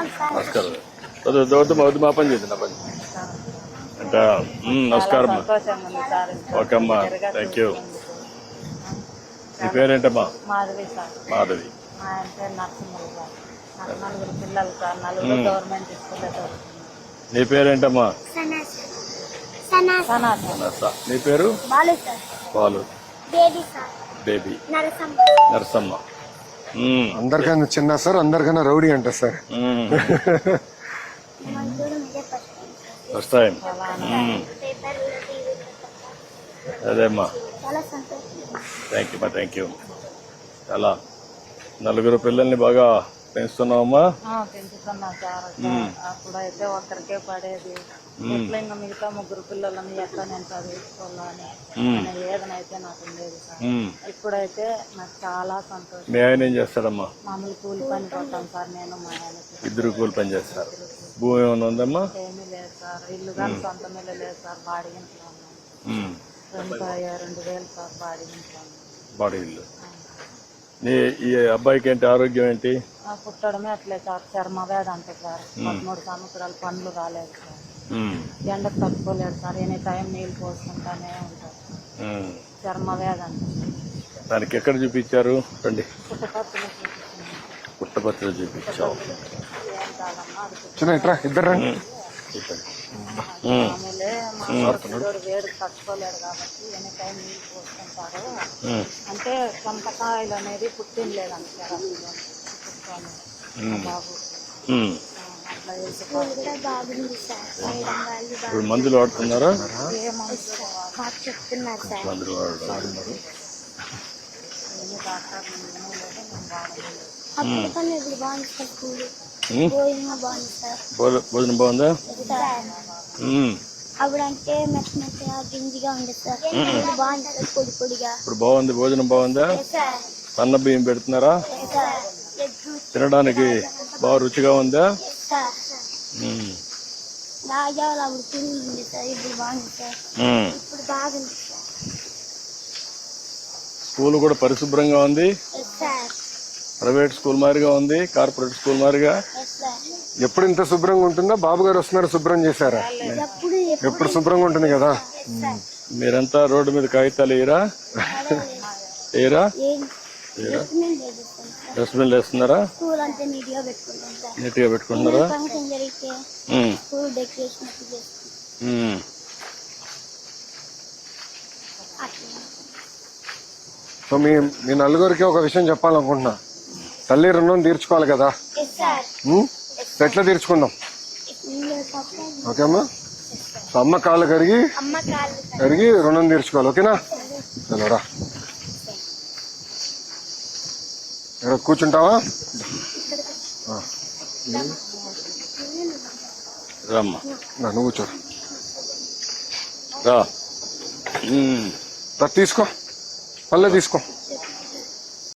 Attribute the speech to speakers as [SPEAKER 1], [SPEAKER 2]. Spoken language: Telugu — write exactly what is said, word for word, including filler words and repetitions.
[SPEAKER 1] నమస్కారం. వద్దు వద్దు మా పని చేద్దాం పని అంటే నమస్కారం అమ్మా. ఓకే అమ్మా, థ్యాంక్ యూ. నీ పేరేంటమ్మా?
[SPEAKER 2] మాధవి సార్.
[SPEAKER 1] మాధవి.
[SPEAKER 2] మా ఆయన పేరు నరసింహులు సార్. నాకు నలుగురు పిల్లలు సార్, నలుగురు గవర్నమెంట్ స్కూల్లో చదువుతున్నారు.
[SPEAKER 1] నీ పేరేంటమ్మా?
[SPEAKER 2] సనా.
[SPEAKER 1] నీ పేరు?
[SPEAKER 3] Balu sir.
[SPEAKER 1] Balu.
[SPEAKER 3] Baby sir.
[SPEAKER 1] Baby.
[SPEAKER 3] Narasamma.
[SPEAKER 1] Narasamma.
[SPEAKER 4] అందరికన్నా చిన్న సార్, అందరికన్నా రౌడీ అంట సార్.
[SPEAKER 1] First time. అదే అమ్మా, థ్యాంక్ యూ అమ్మా, థ్యాంక్ యూ. చాలా నలుగురు పిల్లల్ని బాగా పెంచుతున్నావమ్మా?
[SPEAKER 2] పెంచుతున్నా సార్. అప్పుడైతే ఒక్కరికే పడేది, ఎట్లా ఇంకా మిగతా ముగ్గురు పిల్లలని ఎట్లా నేను చదివించుకోవాలని ఏదనైతే నాకు ఉండేది సార్. ఇప్పుడైతే నాకు చాలా సంతోషం.
[SPEAKER 1] మీ ఆయన ఏం చేస్తాడమ్మా?
[SPEAKER 2] మామూలు కూలి పని పోతాం సార్, నేను మా ఆయనకి.
[SPEAKER 1] ఇద్దరు కూలి పని చేస్తారు. భూమి ఏమైనా ఉందమ్మా?
[SPEAKER 2] ఏమీ లేదు సార్, ఇల్లు కానీ సొంత ఇల్లు లేదు సార్, బాడీ ఇంట్లో ఉన్నాను. రెండు రెండు వేలు సార్ బాడీ ఇంట్లో ఉన్నాను.
[SPEAKER 1] బాడీ ఇల్లు. నీ ఈ అబ్బాయికి ఏంటి ఆరోగ్యం ఏంటి?
[SPEAKER 2] పుట్టడమే అట్లే సార్, చర్మ వ్యాధి అంటే సార్. పదమూడు సంవత్సరాలు పండ్లు రాలేదు సార్, ఎండకు తట్టుకోలేదు సార్, ఎనీ టైం నీళ్ళు పోసుకుంటానే ఉంటారు. చర్మ వ్యాధి అంటే.
[SPEAKER 1] దానికి ఎక్కడ చూపించారు? రండి.
[SPEAKER 2] పుట్టపర్తిలో
[SPEAKER 1] పుట్టపర్తిలో చూపించావు.
[SPEAKER 2] ఏం కాదమ్మా,
[SPEAKER 4] చిన్న ఇద్దరు రండి.
[SPEAKER 2] మామూలే. మా వేడి తట్టుకోలేడు కాబట్టి ఎనీ టైం నీళ్ళు పోసుకుంటారు. అంటే చంపకాయలు అనేది పుట్టింది లేదంట సార్ అసలు బాబు. అట్లా
[SPEAKER 1] ఇప్పుడు మందులు వాడుతున్నారా?
[SPEAKER 2] ఏ మందులు
[SPEAKER 3] చెప్తున్నారు సార్.
[SPEAKER 1] మందులు వాడుతున్నారు.
[SPEAKER 2] ఏమి డాక్టర్ లేదు, మేము వాడలేదు.
[SPEAKER 3] అప్పుడు ఇప్పుడు బాగుంది సార్, స్కూల్ భోజనం బాగుంది సార్.
[SPEAKER 1] భోజనం బాగుందా?
[SPEAKER 3] అప్పుడు అంటే మెత్త మెత్తగా గింజిగా ఉండేది సార్, ఇప్పుడు బాగుంది సార్, పొడి పొడిగా.
[SPEAKER 1] ఇప్పుడు బాగుంది, భోజనం బాగుందా? సన్న బియ్యం పెడుతున్నారా? తినడానికి బాగా రుచిగా ఉందా?
[SPEAKER 3] రాజాలు అప్పుడు పురుగు ఉంది సార్, ఇప్పుడు బాగుంది సార్, ఇప్పుడు బాగుంది సార్.
[SPEAKER 1] స్కూల్ కూడా పరిశుభ్రంగా ఉంది. ప్రైవేట్ స్కూల్ మాదిరిగా ఉంది, కార్పొరేట్ స్కూల్ మాదిరిగా.
[SPEAKER 4] ఎప్పుడు ఇంత శుభ్రంగా ఉంటుందో? బాబు గారు వస్తున్నారు, శుభ్రం చేశారా? ఎప్పుడు శుభ్రంగా ఉంటుంది కదా.
[SPEAKER 1] మీరంతా రోడ్డు మీద కాగితాలు వేయరా? వేయరా? డస్ట్బిన్లు వేస్తున్నారా? నీట్ గా పెట్టుకుంటున్నారా?
[SPEAKER 4] సో మీ మీ నలుగురికి ఒక విషయం చెప్పాలనుకుంటున్నా. తల్లి రుణం తీర్చుకోవాలి కదా, ఎట్లా తీర్చుకుందాం? ఓకే అమ్మా, సో అమ్మ కాళ్ళు కడిగి కడిగి రుణం తీర్చుకోవాలి. ఓకేనా? చలోరా, ఇక్కడ కూర్చుంటావా?
[SPEAKER 1] రమ్మా,
[SPEAKER 4] నువ్వు కూర్చో.
[SPEAKER 1] రా.
[SPEAKER 4] తీసుకో, పల్లె తీసుకో.